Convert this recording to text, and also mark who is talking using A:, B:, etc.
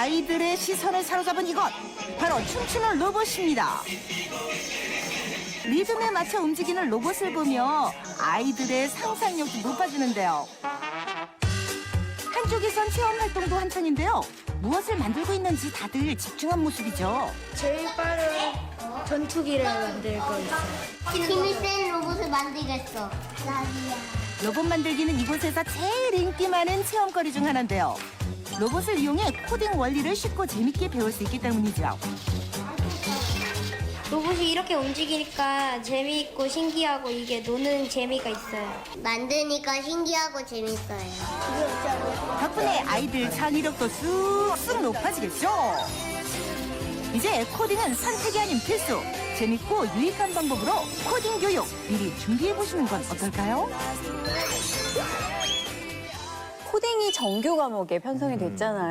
A: 아이들의 시선을 사로잡은 이것, 바로 춤추는 로봇입니다. 리듬에 맞춰 움직이는 로봇을 보며 아이들의 상상력도 높아지는데요. 한쪽에선 체험 활동도 한창인데요. 무엇을 만들고 있는지 다들 집중한 모습이죠.
B: 제일 빠른 전투기를 만들 거 있어요.
C: 힘이 센 로봇을 만들겠어. 나비야.
A: 로봇 만들기는 이곳에서 제일 인기 많은 체험거리 중 하나인데요. 로봇을 이용해 코딩 원리를 쉽고 재밌게 배울 수 있기 때문이죠.
B: 로봇이 이렇게 움직이니까 재미있고 신기하고 이게 노는 재미가 있어요.
C: 만드니까 신기하고 재밌어요.
A: 덕분에 아이들 창의력도 쑥쑥 높아지겠죠. 이제 코딩은 선택이 아닌 필수. 재밌고 유익한 방법으로 코딩 교육 미리 준비해보시는 건 어떨까요?
D: 코딩이 정규 과목에 편성이 됐잖아요.